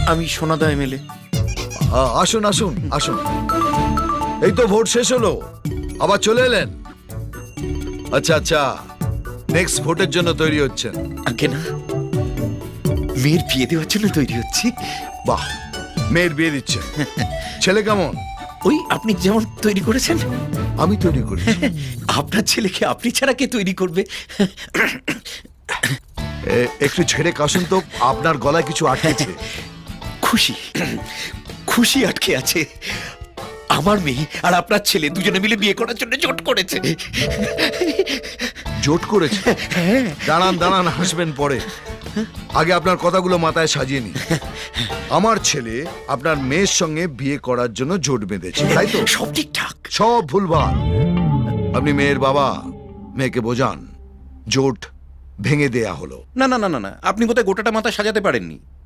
আমি সোনাদা এমএলএ। আসুন আসুন আসুন, এই তো ভোট শেষ হলো, আবার চলে এলেন। আচ্ছা আচ্ছা, নেক্সট ভোটের জন্য তৈরি হচ্ছেন? আগে না, মেয়ের বিয়ে দেওয়ার জন্য তৈরি হচ্ছি। বাহ, মেয়ের বিয়ে দিচ্ছেন। ছেলে কেমন? ওই আপনি যেমন তৈরি করেছেন। আমি তৈরি করি? আপনার ছেলেকে আপনি ছাড়া কে তৈরি করবে? একটু ছেড়ে কাশুন তো, আপনার গলায় কিছু আটকেছে। খুশি, খুশি আটকে আছে। আমার মেয়ে আর আপনার ছেলে দুজনে মিলে বিয়ে করার জন্য জোট করেছে। জোট করেছে? দাঁড়ান দাঁড়ান, হাসবেন পরে, আগে আপনার কথাগুলো মাথায় সাজিয়ে নি। আমার ছেলে আপনার মেয়ের সঙ্গে বিয়ে করার জন্য জোট বেঁধেছে, তাই তো? সব ঠিকঠাক। সব ভুলভাল। আপনি মেয়ের বাবা, মেয়েকে বোঝান জোট ভেঙে দেয়া হলো। না না না না না, আপনি বোধহয় গোটাটা মাথা সাজাতে পারেননি।